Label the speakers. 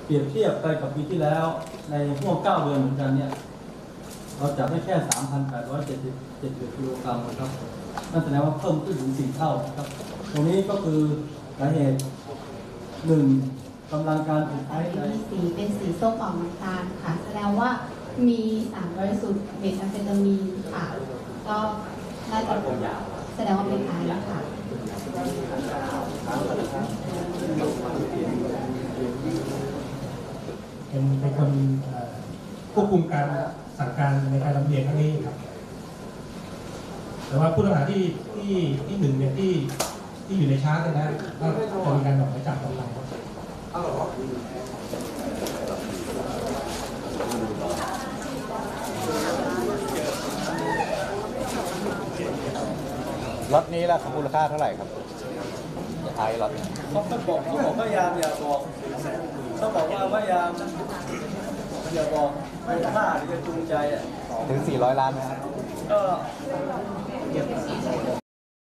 Speaker 1: เปรียบเทียบไปกับปีที่แล้วในห่วง9 เดือนเหมือนกันเนี่ยเราจับได้แค่ 3,877 กิโลกรัมนะครับนั่นแสดงว่าเพิ่มขึ้นถึง4 เท่านะครับตรงนี้ก็คือสาเหตุ1กำลังการผลิต
Speaker 2: มีสีเป็นสีส้มออกน้ำตาลค่ะแสดงว่ามีสารบริสุทธิ์เมทแอมเฟตามีนค่ะก็น่าจะแสดงว่าเป็นไอซ์ค่ะ
Speaker 3: เป็นคนควบคุมการสั่งการในการลำเลียงครั้งนี้ครับแต่ว่าผู้ต้องหาที่หนึ่งเนี่ยที่อยู่ในชาร์จนะก็จะมีการออกหมายจับกำลัง
Speaker 4: ล็อตนี้ละมูลค่าเท่าไหร่ครับไอ้ล็อต
Speaker 1: เขาบอกพยายามอย่าบอกเขาบอกว่าพยายามอย่าบอกไม่ฆ่าหรือจะจูงใจอ่ะ
Speaker 4: ถึง400 ล้านไหมครับ
Speaker 1: ก็